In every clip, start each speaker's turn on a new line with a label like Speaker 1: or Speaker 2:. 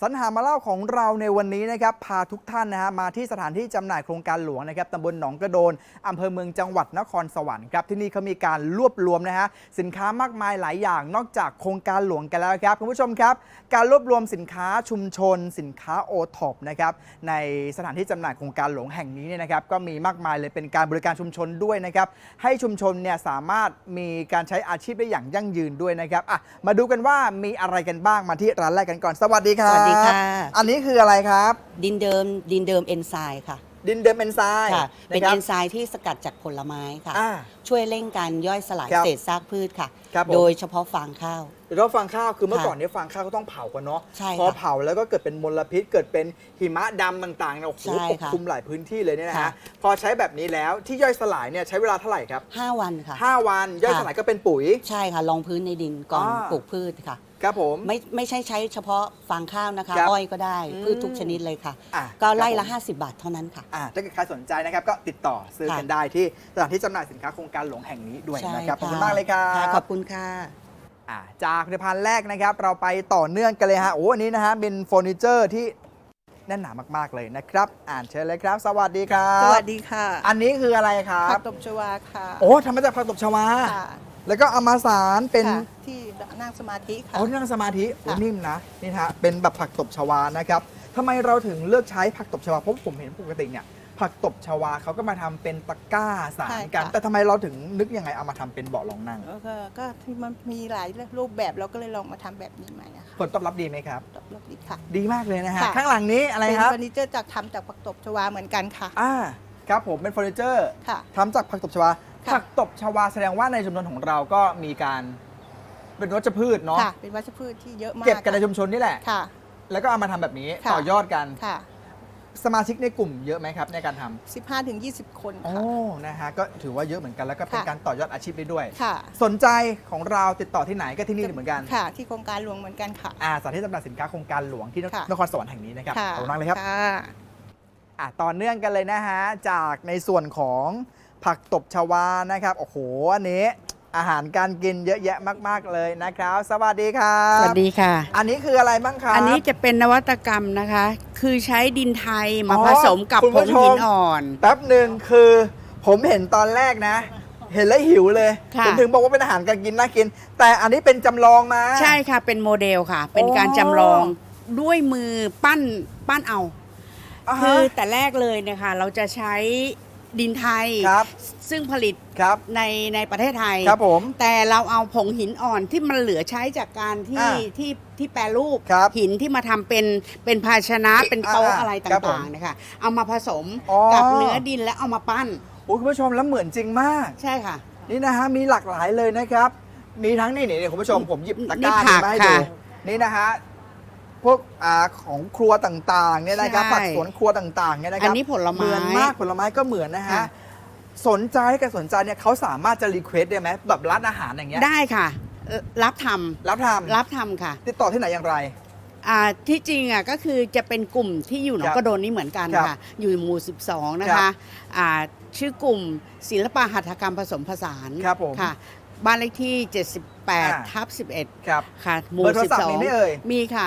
Speaker 1: สรรหามาเล่าของเราในวันนี้นะครับพาทุกท่านนะฮะมาที่สถานที่จำหน่ายโครงการหลวงนะครับตำบลหนองกระโดนอำเภอเมืองจังหวัดนครสวรรค์ครับที่นี่เขามีการรวบรวมนะฮะสินค้ามากมายหลายอย่างนอกจากโครงการหลวงกันแล้วครับคุณผู้ชมครับการรวบรวมสินค้าชุมชน สินค้าโอท็อปนะครับในสถานที่จำหน่ายโครงการหลวงแห่งนี้เนี่ยนะครับก็มีมากมายเลยเป็นการบริการชุมชนด้วยนะครับให้ชุมชนเนี่ยสามารถมีการใช้อาชีพได้อย่างยั่งยืนด้วยนะครับมาดูกันว่ามีอะไรกันบ้างมาที่ร้านแรกกันก่อนสวัสดีครับ
Speaker 2: สวัสดีค่ะ
Speaker 1: อันนี้คืออะไรครับ
Speaker 2: ดินเดิมเอนไซม์ค่ะ
Speaker 1: ดินเดิมเอนไซม์
Speaker 2: ค่ะเป็นเอนไซม์ที่สกัดจากผลไม้ค่ะช่วยเร่งการย่อยสลายเศษซากพืชค่ะโดยเฉพาะฟางข้าว
Speaker 1: แล้วฟางข้าวคือเมื่อก่อนนี้ฟางข้าวก็ต้องเผากันเนาะพอเผาแล้วก็เกิดเป็นมลพิษเกิดเป็นหิมะดำต่างๆเนี่ยโอ้โหปกคลุมหลายพื้นที่เลยเนี่ยนะฮะพอใช้แบบนี้แล้วที่ย่อยสลายเนี่ยใช้เวลาเท่าไหร่ครับ
Speaker 2: 5 วันค่ะ
Speaker 1: 5 วันย่อยสลายก็เป็นปุ๋ย
Speaker 2: ใช่ค่ะรองพื้นในดินก่อนปลูกพืชค่ะ
Speaker 1: ครับผม
Speaker 2: ไม่ใช่ใช้เฉพาะฟางข้าวนะคะอ้อยก็ได้พืชทุกชนิดเลยค่ะก็ไล่ละ50 บาทเท่านั้นค่ะ
Speaker 1: ถ้าเกิดใครสนใจนะครับก็ติดต่อซื้อกันได้ที่สถานที่จำหน่ายสินค้าโครงการหลวงแห่งนี้ด้วยนะครับขอบคุณมากเลยครับ
Speaker 2: ขอบคุณค่ะ
Speaker 1: จากผลิตภัณฑ์แรกนะครับเราไปต่อเนื่องกันเลยฮะอันนี้นะฮะเป็นเฟอร์นิเจอร์ที่แน่นหนามากๆเลยนะครับเชิญเลยครับสวัสดีครับ
Speaker 3: สวัสดีค่ะ
Speaker 1: อันนี้คืออะไรครับ
Speaker 3: ผักตบชวาค่ะ
Speaker 1: ทำมาจากผักตบชวาแล้วก็เอามาสารเป็น
Speaker 3: ที่นั่งสมาธิค่ะ
Speaker 1: นั่งสมาธินิ่มนะนี่ฮะเป็นแบบผักตบชวานะครับทำไมเราถึงเลือกใช้ผักตบชวาเพราะผมเห็นปกติเนี่ยผักตบชวาเขาก็มาทำเป็นตะกร้าสารกันแต่ทำไมเราถึงนึกยังไงเอามาทำเป็นเบาะรองนั่ง
Speaker 3: ก็ที่มันมีหลายรูปแบบเราก็เลยลองมาทำแบบนี้ใหม่
Speaker 1: ผลตอบรับดีไหมครับ
Speaker 3: ตอบรับดีค่ะ
Speaker 1: ดีมากเลยนะฮะข้างหลังนี้อะไรครับ
Speaker 3: เป็นเฟอร์นิเจอร์จากทำจากผักตบชวาเหมือนกันค่ะ
Speaker 1: ครับผมเป็นเฟอร์นิเจอร์ทำจากผักตบชวาผักตบชวาแสดงว่าในชุมชนของเราก็มีการเป็นวัชพืชเนาะ
Speaker 3: เป็นวัชพืชที่เยอะมาก
Speaker 1: เก็บกันในชุมชนนี่แหละ
Speaker 3: ค่ะ
Speaker 1: แล้วก็เอามาทำแบบนี้ต่อยอดกัน
Speaker 3: ค่ะ
Speaker 1: สมาชิกในกลุ่มเยอะไหมครับในการท
Speaker 3: ำ15-20 คน
Speaker 1: ค่ะนะฮะก็ถือว่าเยอะเหมือนกันแล้วก็เป็นการต่อยอดอาชีพได้ด้วย
Speaker 3: ค่ะ
Speaker 1: สนใจของเราติดต่อที่ไหนก็ที่นี่เหมือนกัน
Speaker 3: ค่ะที่โครงการหลวงเหมือนกันค่ะ
Speaker 1: สถานที่จำหน่ายสินค้าโครงการหลวงที่นครสวรรค์แห่งนี้นะครับขอบคุณมากเลยครับต่อเนื่องกันเลยนะฮะจากในส่วนของผักตบชวานะครับอันนี้อาหารการกินเยอะแยะมากๆเลยนะครับสวัสดีครับ
Speaker 4: สวัสดีค่ะ
Speaker 1: อันนี้คืออะไรบ้างครับ
Speaker 4: อันนี้จะเป็นนวัตกรรมนะคะคือใช้ดินไทยมาผสมกับผงหินอ่อน
Speaker 1: แป๊บหนึ่งคือผมเห็นตอนแรกนะเห็นแล้วหิวเลยผมถึงบอกว่าเป็นอาหารการกินน่ากินแต่อันนี้เป็นจำลองมา
Speaker 4: ใช่ค่ะเป็นโมเดลค่ะเป็นการจำลองด้วยมือปั้นเอาคือแต่แรกเลยนะคะเราจะใช้ดินไทยซึ่งผลิตในประเทศไทยแต่เราเอาผงหินอ่อนที่มันเหลือใช้จากการที่แปรรูปหินที่มาทำเป็นภาชนะเป็นโต๊ะอะไรต่างๆนะคะเอามาผสมกับเนื้อดินแล้วเอามาปั้น
Speaker 1: คุณผู้ชมแล้วเหมือนจริงมาก
Speaker 4: ใช่ค่ะ
Speaker 1: นี่นะฮะมีหลากหลายเลยนะครับมีทั้งนี่คุณผู้ชมผมหยิบตะกร้ามาให้ดูนี่นะฮะพวกของครัวต่างๆเนี่ยนะครับผักสวนครัวต่างๆเนี่ยนะครับ
Speaker 4: อันนี้ผลไม้
Speaker 1: เหมือนมากผลไม้ก็เหมือนนะฮะสนใจเนี่ยเขาสามารถจะรีเควสได้ไหมแบบร้านอาหารอย่างเงี้ย
Speaker 4: ได้ค่ะรับทำค่ะ
Speaker 1: ติดต่อที่ไหนอย่างไร
Speaker 4: ที่จริงก็คือจะเป็นกลุ่มที่อยู่หนองกระโดนนี่เหมือนกันค่ะอยู่หมู่12นะคะชื่อกลุ่มศิลปหัตถกรรมผสมผสานค่ะบ้านเลขที่78/11ค่ะหมู่12มีค่ะ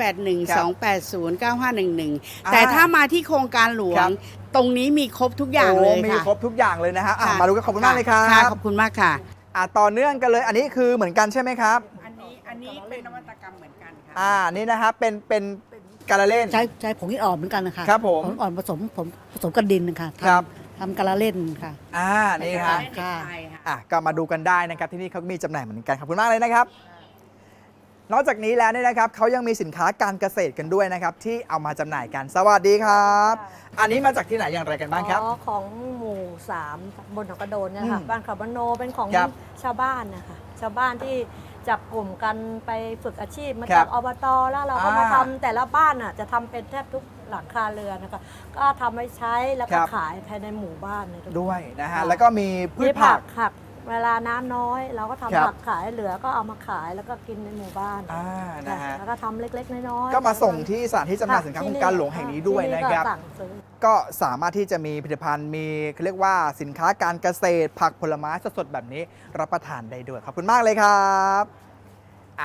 Speaker 4: 0812809511แต่ถ้ามาที่โครงการหลวงตรงนี้มีครบทุกอย่างเลยค่ะ
Speaker 1: มีครบทุกอย่างเลยนะฮะมาดูกันขอบคุณมากเลยครับ
Speaker 4: ขอบคุณมากค่ะ
Speaker 1: ต่อเนื่องกันเลยอันนี้คือเหมือนกันใช่ไหมครับ
Speaker 4: อันนี้เป็นนวัตกรรมเหมือนกันค่ะ
Speaker 1: นี่นะครับเป็นการเล่น
Speaker 5: ใช้ผงหินอ่อนเหมือนกันนะคะ
Speaker 1: ครับผม
Speaker 5: ผงอ่อนผสมกับดินนะคะ
Speaker 1: ครับ
Speaker 5: ทำการเล่นค่ะ
Speaker 1: นี่ค่ะก็มาดูกันได้นะครับที่นี่เขามีจำหน่ายเหมือนกันขอบคุณมากเลยนะครับนอกจากนี้แล้วเนี่ยนะครับเขายังมีสินค้าการเกษตรกันด้วยนะครับที่เอามาจำหน่ายกันสวัสดีครับอันนี้มาจากที่ไหนอย่างไรกันบ้างครับ
Speaker 6: ของหมู่3บนหนองกระโดนเนี่ยค่ะบ้านเขาบ้านโนเป็นของชาวบ้านนะคะชาวบ้านที่จับกลุ่มกันไปฝึกอาชีพมาจากอบตแล้วเราก็มาทำแต่ละบ้านจะทำเป็นแทบทุกหลังคาเรือนนะคะก็ทำไว้ใช้แล้วก็ขายภายในหมู่บ้าน
Speaker 1: ด้วยนะฮะแล้วก็มีพืชผัก
Speaker 6: เวลาน้ำน้อยเราก็ทำผักขายเหลือก็เอามาขายแล้วก็กินในหมู่บ้าน
Speaker 1: นะฮะ
Speaker 6: แล้วก็ทำเล็กๆน้อย
Speaker 1: ๆก็มาส่งที่สถานที่จำหน่ายสินค้าโครงการหลวงแห่งนี้ด้วยนะครับก็สามารถที่จะมีผลิตภัณฑ์มีเรียกว่าสินค้าการเกษตรผักผลไม้สดๆแบบนี้รับประทานได้ด้วยขอบคุณมากเลยครับ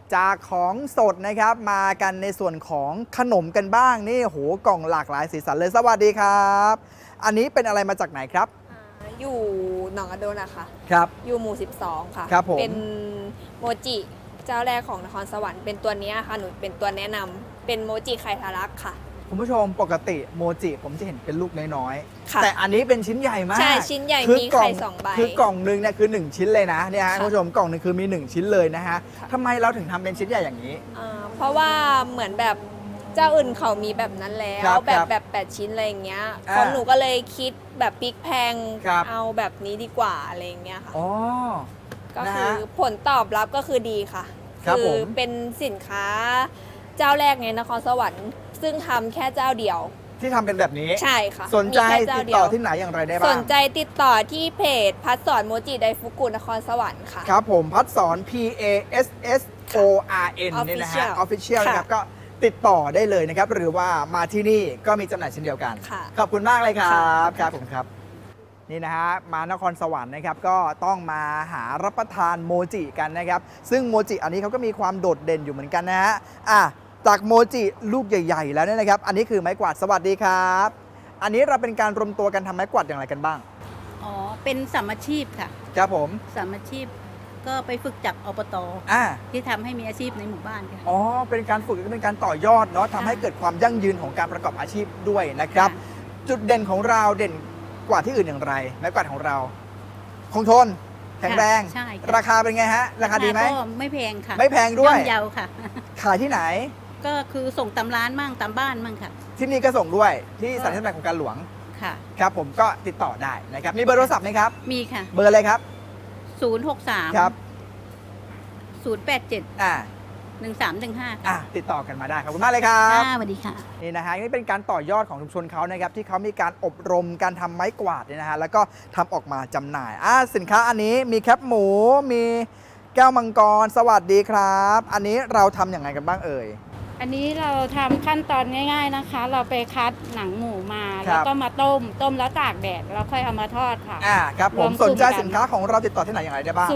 Speaker 1: จากของสดนะครับมากันในส่วนของขนมกันบ้างนี่โหกล่องหลากหลายสีสันเลยสวัสดีครับ อันนี้เป็นอะไรมาจากไหนครับ
Speaker 7: อยู่หนองกระโดนอะค่ะ
Speaker 1: ครับ
Speaker 7: อยู่หมู่ 12 ค่ะ
Speaker 1: ครับผม
Speaker 7: เป็นโมจิเจ้าแรกของนครสวรรค์เป็นตัวเนี้ยค่ะ หนูเป็นตัวแนะนำเป็นโมจิไข่ทะลักค่ะ
Speaker 1: คุณผู้ชมปกติโมจิผมจะเห็นเป็นลูกน้อย
Speaker 7: ค่ะ
Speaker 1: ๆแต่อันนี้เป็นชิ้นใหญ่มาก
Speaker 7: ใช่ชิ้นใหญ่
Speaker 1: คือ
Speaker 7: มี
Speaker 1: กล่
Speaker 7: ไข่
Speaker 1: อง
Speaker 7: 2 ใบ
Speaker 1: คือกล่องหนึงเนี่ยคือ 1 ชิ้นเลยนะเนี่ยฮะ
Speaker 7: ค่ะ
Speaker 1: คุณผู้ชมกล่องหนึงคือมี 1 ชิ้นเลยนะฮะ
Speaker 7: ค่ะ
Speaker 1: ทำไมเราถึงทำเป็นชิ้นใหญ่อย่างนี้
Speaker 7: เพราะว่าเหมือนแบบเจ้าอื่นเขามีแบบนั้นแล้ว
Speaker 1: ครับ
Speaker 7: แบบ
Speaker 1: ครับ
Speaker 7: แบบ8 ชิ้นอะไรอย่างเงี้ย
Speaker 1: อ่า
Speaker 7: ของหนูก็เลยคิดแบบพลิกแพง
Speaker 1: ครับ
Speaker 7: เอาแบบนี้ดีกว่าอะไรอย่างเงี้ยค่ะ
Speaker 1: อ๋อ
Speaker 7: ก็
Speaker 1: นะ
Speaker 7: คือ
Speaker 1: ฮะ
Speaker 7: ผลตอบรับก็คือดีค่ะ
Speaker 1: ครับผม
Speaker 7: เป็นสินค้าเจ้าแรกในนครสวรรค์ซึ่งทำแค่เจ้าเดียว
Speaker 1: ที่ทำเป็นแบบนี้
Speaker 7: ใช่ค่ะ
Speaker 1: สนใจ
Speaker 7: มีแค่เจ้า
Speaker 1: ติด
Speaker 7: เดี
Speaker 1: ต่
Speaker 7: ย
Speaker 1: อ
Speaker 7: ว
Speaker 1: ที่ไหนอย่างไรได้
Speaker 7: ส
Speaker 1: บ้าง
Speaker 7: นใจติดต่อที่เพจพัดสอนโมจิไดฟุกุนครสวรรค์ค่ะ
Speaker 1: ครับผมพัดสอน P A S S O R N เนี่ยนะฮะ
Speaker 7: Official
Speaker 1: Official
Speaker 7: ค่ะ
Speaker 1: นะครับก็ติดต่อได้เลยนะครับ หรือว่ามาที่นี่ก็มีจำหน่ายเช่นเดียวกัน
Speaker 7: ค่ะ
Speaker 1: ขอบคุณมากเลยครั
Speaker 7: ค่ะ
Speaker 1: บครับผมครับ นี่นะฮะมานครสวรรค์นะครับก็ต้องมาหารับประทานโมจิกันนะครับ ซึ่งโมจิอันนี้เขาก็มีความโดดเด่นอยู่เหมือนกันนะฮะจากโมจิลูกใหญ่ ๆ แล้วเนี่ยนะครับ อันนี้คือไม้กวาดสวัสดีครับ อันนี้เราเป็นการรวมตัวกันทำไม้กวาดอย่างไรกันบ้าง
Speaker 5: อ๋อ เป็นสามอาชีพค่ะ
Speaker 1: ครับผม
Speaker 5: สามอาชีพก็ไปฝึกจากอบต
Speaker 1: อ่า
Speaker 5: ที่ทำให้มีอาชีพในหมู่บ้านค่ะ
Speaker 1: อ๋อ เป็นการฝึกเป็นการต่อยอดเนาะทำให้เกิดความยั่งยืนของการประกอบอาชีพด้วยนะครับ
Speaker 5: ค่ะ
Speaker 1: จุดเด่นของเราเด่นกว่าที่อื่นอย่างไรไม้กวาดของเรา คงทน แข็งแรง
Speaker 5: ใช่ค่ะ
Speaker 1: ราคาเป็นไงฮะ ราคาดีไหม
Speaker 5: ก็ไม่แพงค่ะ
Speaker 1: ไม่แพงด้วย
Speaker 5: ย่อมเยาค่ะ
Speaker 1: ขายที่ไหน
Speaker 5: ก็คือส่งตามร้านมั่งตามบ้านมั่งค่ะ
Speaker 1: ที่นี่ก็ส่งด้วยที่สถานที่จำหน่ายของการหลวง
Speaker 5: ค่ะ
Speaker 1: ครับผมก็ติดต่อได้นะครับ มีเบอร์โทรศัพท์ไหมครับ
Speaker 5: มีค่ะ
Speaker 1: เบอร์อะไรครับ
Speaker 5: 063
Speaker 1: ครับ
Speaker 5: 087
Speaker 1: อ่า
Speaker 5: 1315 ค่ะ
Speaker 1: ติดต่อกันมาได้ขอบคุณมากเลยครับ
Speaker 5: สวัสดีค่ะ
Speaker 1: นี่นะฮะนี่เป็นการต่อยอดของชุมชนเขานะครับที่เขามีการอบรมการทำไม้กวาดเนี่ยนะฮะแล้วก็ทำออกมาจำหน่ายสินค้าอันนี้มีแคปหมูมีแก้วมังกรสวัสดีครับ อันนี้เราทำอย่างไรกันบ้างเอ่ย
Speaker 8: อันนี้เราทำขั้นตอนง่ายๆนะคะ เราไปคัดหนังหมูมา
Speaker 1: ครับ
Speaker 8: แล้วก็มาต้มแล้วตากแดดแล้วค่อยเอามาทอดค่ะ
Speaker 1: ครับผม
Speaker 8: รวมกลุ่
Speaker 1: ส
Speaker 8: ม
Speaker 1: นใจ
Speaker 8: กัน
Speaker 1: สินค้าของเราติดต่อที่ไหนอย่างไรได้บ้าง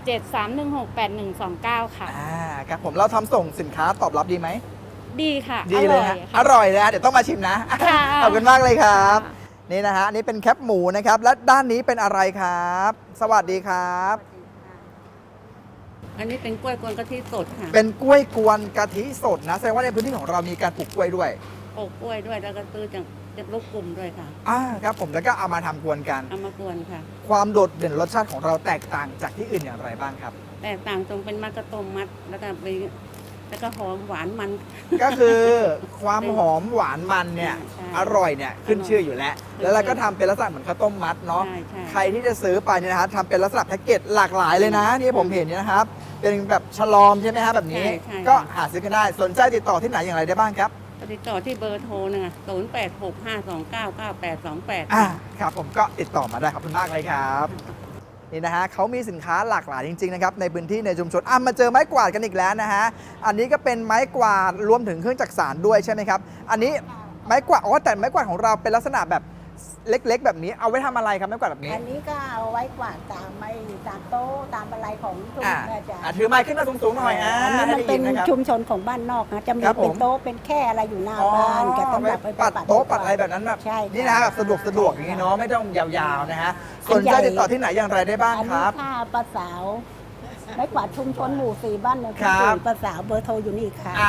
Speaker 8: 0873168129 ค่ะ
Speaker 1: ครับผมเราทำส่งสินค้าตอบรับดีไหม
Speaker 8: ดีค่ะ
Speaker 1: ดีเลยฮะ
Speaker 8: ค่ะ
Speaker 1: อร่อยเลยฮะเดี๋ยวต้องมาชิมนะ
Speaker 8: ค่ะ
Speaker 1: ขอบคุณมากเลยครับ
Speaker 8: ค่ะ
Speaker 1: นี่นะฮะอันนี้เป็นแคปหมูนะครับและด้านนี้เป็นอะไรครับ สวัสดีครับ
Speaker 4: อันนี้เป็นกล้วยกวนกะทิสดค่ะ
Speaker 1: เป็นกล้วยกวนกะทิสดนะแสดงว่าในพื้นที่ของเรามีการปลูกกล้วยด้วย
Speaker 4: ปลูกกล้วยด้วยแล้วก็ซื้อจากลูกกลุ่มด้วยค่ะ
Speaker 1: ครับผมแล้วก็เอามาทำกวนกัน
Speaker 4: เอามากวนค่ะ
Speaker 1: ความโดดเด่นรสชาติของเราแตกต่างจากที่อื่นอย่างไรบ้างครับ
Speaker 4: แต่ต่างตรงเป็นมัดกระต้มมัดแล้วก็หอมหวานมัน
Speaker 1: ก็คือความหอมหวานมันเนี่ย
Speaker 4: ใช่
Speaker 1: อร่อยเนี่ยขึ้นชื่ออยู่แล้ว แล้วเราก็ทำเป็นลักษณะเหมือนข้าวต้มมัดเนาะ
Speaker 4: ใช่ใช่
Speaker 1: ใครที่จะซื้อไปเนี่ยนะครับทำเป็นลักษณะแพ็กเกจหลากหลายเลยนะนี่ผมเห็นเนี่ยนะครับ เป็นแบบฉลอมใช่ไหมครับแบบนี้
Speaker 4: ใช่
Speaker 1: ก็หาซื้อกันได้สนใจติดต่อที่ไหนอย่างไรได้บ้างครับ
Speaker 4: ติดต่อที่เบอร์โทรนะคะ0865299828
Speaker 1: ครับผมก็ติดต่อมาได้ขอบคุณมากเลยครับนี่นะฮะเขามีสินค้าหลากหลายจริงๆนะครับในพื้นที่ในชุมชนมาเจอไม้กวาดกันอีกแล้วนะฮะอันนี้ก็เป็นไม้กวาดรวมถึงเครื่องจักสานด้วยใช่ไหมครับอันนี้ไม้กวาดแต่ไม้กวาดของเราเป็นลักษณะแบบเล็กๆ แบบนี้เอาไว้ทำอะไรครับไม้กวาดแบบนี้
Speaker 3: อันนี้ก็เอาไว้กวาดตามตามโต๊ะตามอะไรของชุมชนอาจารย์
Speaker 1: ถือไม้ขึ้นมาสูงๆหน่อย
Speaker 3: อันนี้มันเป็น
Speaker 1: ให้ได้ยินะครับ
Speaker 3: ชุมชนของบ้านนอกนะจะมี
Speaker 1: ครับผม
Speaker 3: เป็นโต๊ะเป็นแค่อะไรอยู่หน้าบ้านก็ต้องแบบไป
Speaker 1: ปัดโต๊ะปัดอะไรแบบนั้นแบบ
Speaker 3: ใช่
Speaker 1: นี่นะฮะแบบสะดวกอย่างนี้เนาะไม่ต้องยาวๆนะฮะสนใจติดต่อที่ไหนอย่างไรได้บ้าง
Speaker 3: อัน
Speaker 1: ค
Speaker 3: นี้
Speaker 1: รับ
Speaker 3: ค่าประสาวไม้กวาดชุมชนหมู่4บ้านเนี่ย
Speaker 1: ครับ
Speaker 3: ประสาวเบอร์โทรอยู่นี่ค่ะ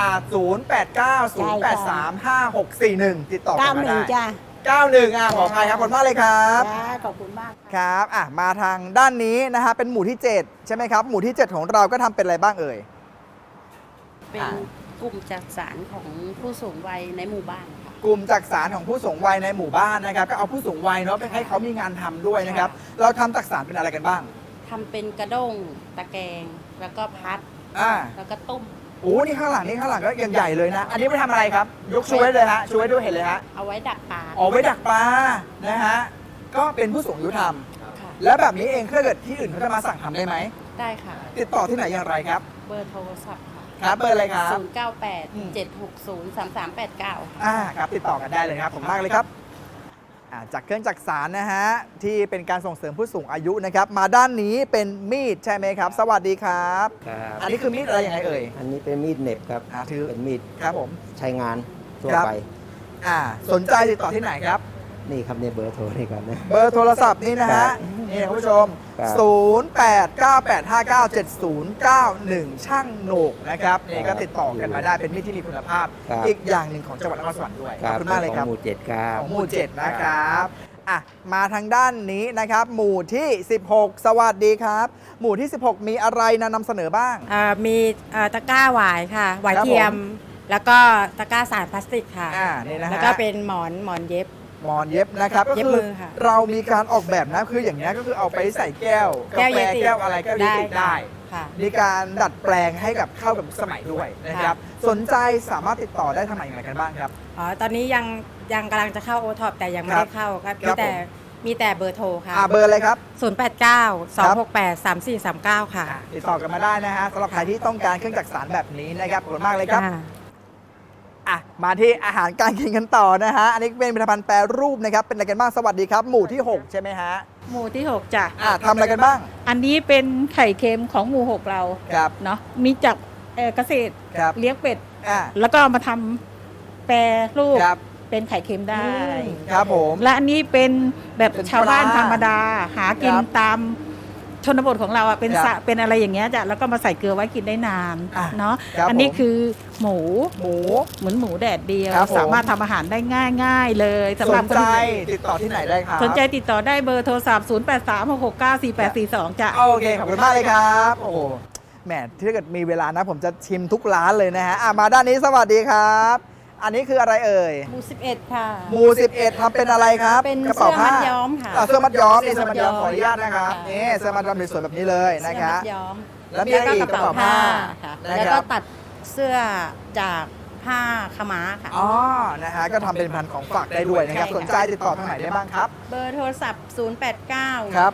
Speaker 1: 0890835641 ติดต่อกันมาได้
Speaker 3: 91จ้า
Speaker 1: 91ขออภัยครับขอบคุณมากเลยครับ
Speaker 3: จ้าขอบคุณมาก
Speaker 1: ครับมาทางด้านนี้นะฮะเป็นหมู่ที่ 7 ใช่ไหมครับ หมู่ที่ 7 ของเราก็ทำเป็นอะไรบ้างเอ่ย
Speaker 4: เป็นกลุ่มจักสารของผู้สูงวัยในหมู่บ้านค่ะ
Speaker 1: กลุ่มจักสารของผู้สูงวัยในหมู่บ้านนะครับ ก็เอาผู้สูงวัยเนาะไปให้เขามีงานทำด้วยนะครับ เราทำจักสารเป็นอะไรกันบ้าง
Speaker 4: ทำเป็นกระด้งตะแกรงแล้วก็พัด แล้วก็ต้ม
Speaker 1: โอ้นี่ข้างหลังก็ยังใหญ่เลยนะ อันนี้ไปทำอะไรครับ ยกช่วยเลยฮะช่วยด้วยเห็นเลยฮะ
Speaker 4: เอาไว้ดักปลา
Speaker 1: ไว้ดักปลานะฮะก็เป็นผู้สูงอายุท
Speaker 4: ค่ะ
Speaker 1: ำแล้วแบบนี้เองถ้าเกิดที่อื่นเขาจะมาสั่งทำได้ไหม
Speaker 4: ได้ค่ะ
Speaker 1: ติดต่อที่ไหนอย่างไรครับ
Speaker 4: เบอร์โทรศัพท์ค่ะ
Speaker 1: ครับเบอร์อะไรครับ
Speaker 4: 098 760 3389 ค่ะ
Speaker 1: ครับติดต่อกันได้เลยครับผมมากเลยครับจากเครื่องจักสานนะฮะที่เป็นการส่งเสริมผู้สูงอายุนะครับมาด้านนี้เป็นมีดใช่ไหมครับ สวัสดีครับ
Speaker 9: ครับ
Speaker 1: อันนี้คือมีดอะไรยังไงเอ่ย
Speaker 9: อันนี้เป็นมีดเหน็บครับ
Speaker 1: ถือ
Speaker 9: เป็นมีด
Speaker 1: ครับผม
Speaker 9: ใช้งานทั่ว
Speaker 1: ครับ
Speaker 9: ไป
Speaker 1: สนใจติดต่อที่ไหนครับ
Speaker 9: นี่ครับเนี่ยเบอร์โทรนี่ครับนะ
Speaker 1: เบอร์โทรศัพท์นี่นะฮะ
Speaker 9: ครับ
Speaker 1: นี่คุณผู้ชม
Speaker 9: ครับ
Speaker 1: 0898597091 ช่างโหนกนะครับนี่ก็ติดต่อกันมาได้เป็นมีดที่มีคุณภาพ
Speaker 9: ครับ
Speaker 1: อีกอย่างหนึ่งของจังหวัดนครสวรรค์ด้วยขอบคุณมากเลยครับ
Speaker 9: ของหมู่เจ็ดครับ
Speaker 1: ของหมู่ 7 นะครับมาทางด้านนี้นะครับ หมู่ที่ 16 สวัสดีครับ หมู่ที่ 16 มีอะไรนำเสนอบ้าง
Speaker 10: มีตะกร้าหวายค่ะ หวาย
Speaker 1: ครับ
Speaker 10: เทียม
Speaker 1: ผม
Speaker 10: แล้วก็ตะกร้าสารพลาสติกค่ะ
Speaker 1: นี่นะฮะ
Speaker 10: แล้วก็เป็นหมอนเย็บ
Speaker 1: หมอนเย็บนะครับก็
Speaker 10: เย็บ
Speaker 1: คือ
Speaker 10: มือค่ะ
Speaker 1: เรามีการออกแบบนะคืออย่างนี้ยก็คือเอาไปใส่แก้วกา
Speaker 10: แก้ว
Speaker 1: แฟ
Speaker 10: เยติ
Speaker 1: แก้วอะไรแก้วเยติได้
Speaker 10: ค่ะ
Speaker 1: มีการดัดแปลงให้กับเข้ากับสมัยด้วยนะครับสนใจสามารถติดต่อได้ทางไหนอย่างไรกันบ้างครับ
Speaker 10: ตอนนี้ยังกำลังจะเข้าโอท็อปแต่ยังไม่
Speaker 1: ครั
Speaker 10: ได้
Speaker 1: บ
Speaker 10: เข้าครับ
Speaker 1: ครับ
Speaker 10: มีแต่เบอร์โทรค่ะ
Speaker 1: เบอร์อะไรครับ
Speaker 10: 089-268-3439 ค่ะ
Speaker 1: ติดต่อกันมาได้นะฮะสำหรับใครที่ต้องการเครื่องจักสานแบบนี้นะครับขอบคุณมากเลยครับ มาที่อาหารการกินกันต่อนะฮะ อันนี้เป็นผลิตภัณฑ์แปรรูปนะครับ เป็นอะไรกันบ้าง สวัสดีครับ หมู่ที่ 6 ใช่ไหมฮะ
Speaker 5: หมู่ที่ 6จ้ะ
Speaker 1: ทำอะไรกันบ้าง
Speaker 5: อันนี้เป็นไข่เค็มของหมู่ 6 เรา
Speaker 1: ครับ
Speaker 5: เนาะมีจากเกษตร
Speaker 1: ครับ
Speaker 5: เลี้ยงเป็ด
Speaker 1: อ่า
Speaker 5: แล้วก็เอามาทำแปรรูป
Speaker 1: ครับ
Speaker 5: เป็นไข่เค็มได้
Speaker 1: ครับผม
Speaker 5: และอันนี้เป็นแบบ
Speaker 1: เป็น
Speaker 5: ชาวบ้าน
Speaker 1: ปลา
Speaker 5: ธรรมดา หากิน
Speaker 1: ครับ
Speaker 5: ตามชนบทของเราอ่ะเป็น
Speaker 1: ครับ
Speaker 5: สระเป็นอะไรอย่างเงี้ยจ้ะแล้วก็มาใส่เกลือไว้กินได้นาน เนาะ
Speaker 1: ครับ
Speaker 5: อันนี้
Speaker 1: ผม
Speaker 5: คือหมู
Speaker 1: หมู
Speaker 5: เหมือนหมูแดดเดียว
Speaker 1: ครับผม
Speaker 5: สามารถทำอาหารได้ง่าย ๆ เลยสำ
Speaker 1: ส
Speaker 5: หรับ
Speaker 1: น
Speaker 5: คน
Speaker 1: ใจ
Speaker 5: ที่
Speaker 1: ติดต่อที่ไหนได้ครับ
Speaker 5: สนใจติดต่อได้เบอร์โทรศัพท์ 0836694842 จ้ะ
Speaker 1: โอเค ขอบคุณมากเลยครับ โอ้โหแหมถ้าเกิดมีเวลานะ ผมจะชิมทุกร้านเลยนะฮะมาด้านนี้สวัสดีครับ อันนี้คืออะไรเอ่ย
Speaker 10: หมู่11 ค่ะ
Speaker 1: หมู่ 11ทำเป็นอะไรครับ
Speaker 10: เป็น
Speaker 1: กระเป๋าผ้า
Speaker 10: เสื้อมัดย้อมค่ะ
Speaker 1: เสื้อมัดย้อมนี่
Speaker 10: เสื้
Speaker 1: เสื้อ
Speaker 10: อมั
Speaker 1: มัด
Speaker 10: ด
Speaker 1: ย้อมขออนุ
Speaker 10: ย้อม
Speaker 1: ญาตนะครับ
Speaker 10: ค่ะ
Speaker 1: นี่เสื้อมัดย้อมสวยๆแบบนี้เลยนะ
Speaker 10: เสื้อ
Speaker 1: ครั
Speaker 10: มั
Speaker 1: บ
Speaker 10: ดย้อม
Speaker 1: แล้วมีอะไรอีก
Speaker 10: กระเป๋าผ้าค่ะ
Speaker 1: นะ
Speaker 10: แล้ว
Speaker 1: ค
Speaker 10: ก็
Speaker 1: รับ
Speaker 10: ตัดเสื้อจากผ้าขาวม้าค่ะ
Speaker 1: อ๋อ นะฮะ ก็ทำเป็นพันธุ์ของฝากได้ด้วยนะครับ
Speaker 10: ใช่ค่ะ
Speaker 1: สนใจติดต่อทางไหนได้บ้างครับ
Speaker 10: เบอร์โทรศัพท์
Speaker 1: ครับ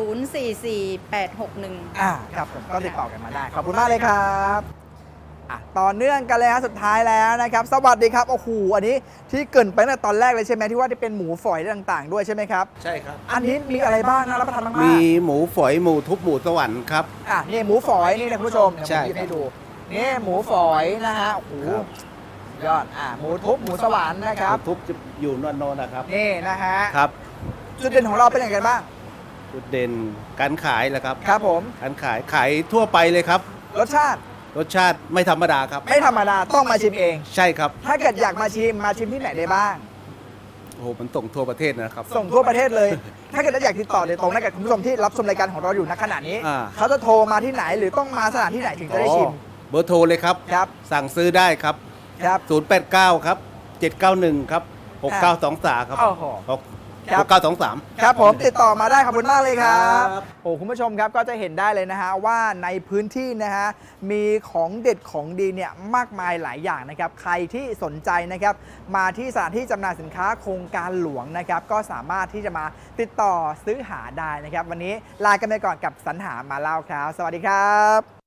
Speaker 10: 089-7044-861
Speaker 1: ครับผมก็ติดต่อกันมาได้ ขอบคุณมากเลยครับต่อเนื่องกันเลยฮะสุดท้ายแล้วนะครับ สวัสดีครับ โอ้โห อันนี้ที่เกรินไปตั้งแต่ตอนแรกเลยใช่ไหมที่ว่าที่เป็นหมูฝอยต่างๆ ด้วยใช่ไหมครับ
Speaker 11: ใช่ครับ
Speaker 1: อันนี้มีอะไรบ้างนะรับประทานมากๆ
Speaker 11: มีหมูฝอยหมูทุบหมูสวรรค์ครับ
Speaker 1: นี่หมูฝอยนี่นะคุณผู้ชมเดี๋ยวผ
Speaker 11: ใช่
Speaker 1: มหยิบให้ดู นี่หมูฝอยนะฮะ โอ้โห
Speaker 11: ครับ
Speaker 1: ยอด หมูทุบหมูสวรรค์นะครับ
Speaker 11: หมูทุบจะอยู่นวลๆนะครับ
Speaker 1: นี่นะฮะ
Speaker 11: ครับ
Speaker 1: จุดเด่นของเราเป็นอย่างไรบ้าง
Speaker 11: จุดเด่นการขายแหละครับ
Speaker 1: ครับผม
Speaker 11: การขายทั่วไปเลยครับ
Speaker 1: รสชาติ
Speaker 11: รสชาติไม่ธรรมดาครับ
Speaker 1: ไม่ธรรมดาต้องมาชิมเอง
Speaker 11: ใช่ครับ
Speaker 1: ถ้าเกิดอยากมาชิมที่ไหนได้บ้าง
Speaker 11: โอ้โหมันส่งทั่วประเทศนะครับ
Speaker 1: ส่งทั่วประเทศเลย ถ้าเกิดอยากติดต่อโดยตรงนะกับคุณผู้ชมที่รับชมรายการของเราอยู่ณขณะนี้
Speaker 11: อ่า
Speaker 1: เขาจะโทรมาที่ไหนหรือต้องมาสถานที่ไหนถึงจะได้ชิม
Speaker 11: เบอร์โทรเลยครับ
Speaker 1: ครับ
Speaker 11: สั่งซื้อได้ครับ
Speaker 1: ครับ
Speaker 11: 089 ครับ 791 ครับ 6923 ครับ
Speaker 1: โอ้โห ครับ
Speaker 11: 6923
Speaker 1: ครับผมติดต่อมาได้ขอบคุณมากเลยครับ
Speaker 11: ครับ
Speaker 1: โอ้คุณผู้ชมครับก็จะเห็นได้เลยนะฮะว่าในพื้นที่นะฮะมีของเด็ดของดีเนี่ยมากมายหลายอย่างนะครับใครที่สนใจนะครับมาที่สถานที่จำหน่ายสินค้าโครงการหลวงนะครับก็สามารถที่จะมาติดต่อซื้อหาได้นะครับวันนี้ลากันไปก่อนกับสรรหามาเล่าครับสวัสดีครับ